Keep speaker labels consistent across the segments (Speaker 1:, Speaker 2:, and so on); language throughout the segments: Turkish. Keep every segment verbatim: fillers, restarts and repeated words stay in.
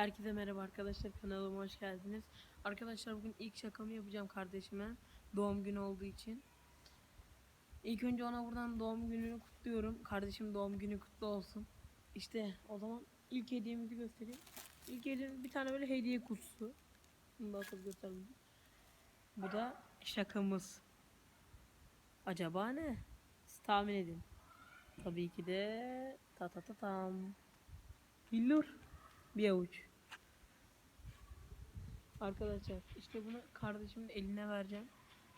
Speaker 1: Herkese merhaba arkadaşlar, kanalıma hoş geldiniz. Arkadaşlar bugün ilk şakamı yapacağım kardeşime, doğum günü olduğu için. İlk önce ona buradan doğum gününü kutluyorum. Kardeşim doğum günü kutlu olsun. İşte o zaman ilk hediyemizi göstereyim. İlk hediyemiz bir tane böyle hediye kutusu. Bunu da atıp göstereyim. Bu da şakamız. Acaba ne? Siz tahmin edin. Tabii ki de ta ta ta tam. Billur. Bir avuç. Arkadaşlar işte bunu kardeşimin eline vereceğim.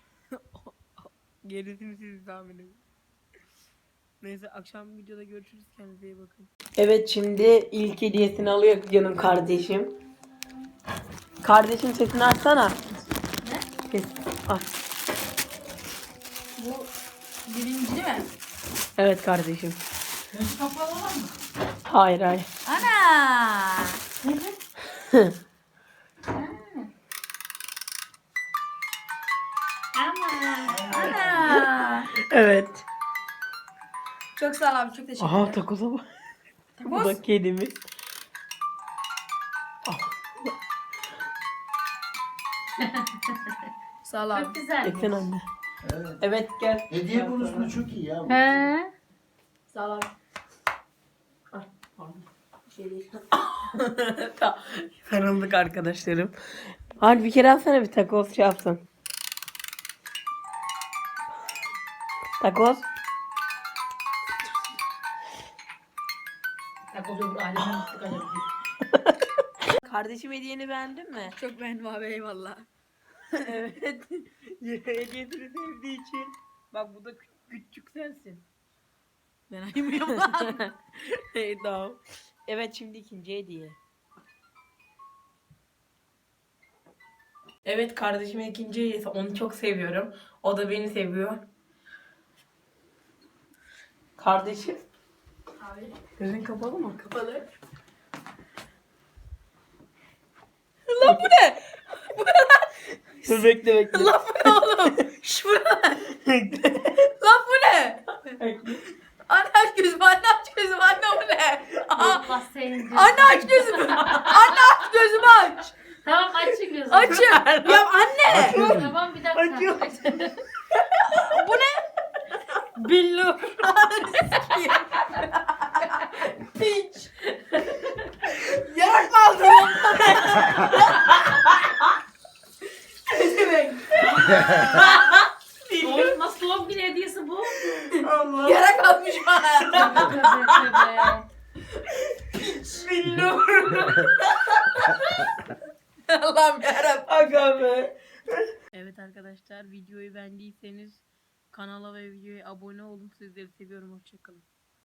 Speaker 1: Gerisini siz tahmin edin. Neyse akşam videoda görüşürüz, kendinize iyi bakın. Evet, şimdi ilk hediyesini alıyor canım kardeşim. Kardeşim sesini açsana.
Speaker 2: Ne?
Speaker 1: Ses aç.
Speaker 2: Bu birinci mi?
Speaker 1: Evet kardeşim.
Speaker 2: Göz kapalı olan mı?
Speaker 1: Hayır hayır.
Speaker 2: Ana! Ana!
Speaker 1: Evet.
Speaker 2: Çok sağ ol abi, çok teşekkür
Speaker 1: Aha
Speaker 2: ederim.
Speaker 1: takoza bak. Bu
Speaker 2: Takoz.
Speaker 1: da kedimiz.
Speaker 2: Sağ ol abi.
Speaker 3: Çok güzel.
Speaker 1: Eksen anne.
Speaker 4: Evet.
Speaker 1: Evet gel.
Speaker 4: Hediye konusunda çok iyi ya. bu.
Speaker 3: He.
Speaker 2: Sağ ol abi.
Speaker 1: Bir şey değil. Tamam. Sarıldık arkadaşlarım. Hadi bir kere alsana, bir takoz şey yapsın. Takoz.
Speaker 3: Takoz öbür alemden tuttuk acaba.
Speaker 1: Kardeşim hediyeni beğendin mi?
Speaker 2: Çok beğendim abi, eyvallah.
Speaker 1: Evet. Hediyesini sevdiği için. Bak bu da kü- küçük sensin.
Speaker 2: Ben ayımıyorum lan.
Speaker 1: Hey tamam. Evet, şimdi ikinci hediye. Evet, kardeşimin ikinci hediyesi. Onu çok seviyorum. O da beni seviyor. Kardeşim.
Speaker 2: Abi.
Speaker 1: Gözün kapalı mı? Kapalı. Lan bu ne? Bu ne lan? Dur bekle bekle.
Speaker 2: Lan bu ne oğlum? Şş, bu ne lan? Lan bu ne? Anne aç gözümü, anne aç gözümü, anne bu ne? Aa,
Speaker 3: Allah senin
Speaker 2: anne aç gözümü. Anne aç gözümü aç.
Speaker 3: Tamam açın gözünü.
Speaker 2: Açın. Ya anne.
Speaker 3: Tamam bir dakika.
Speaker 1: Açıyorum.
Speaker 2: Bu ne?
Speaker 1: Billo.
Speaker 2: Piç. Yarak mı aldın? Ne demek?
Speaker 3: Oğlum nasıl doğum günü hediyesi bu?
Speaker 1: Allah.
Speaker 2: Yarak almış bana.
Speaker 3: Tövbe tövbe.
Speaker 1: Billo.
Speaker 2: Allah'ım yarabbim.
Speaker 1: Aga be. Evet arkadaşlar, videoyu beğendiyseniz kanala ve videoya abone olun. Sizleri seviyorum. Hoşçakalın.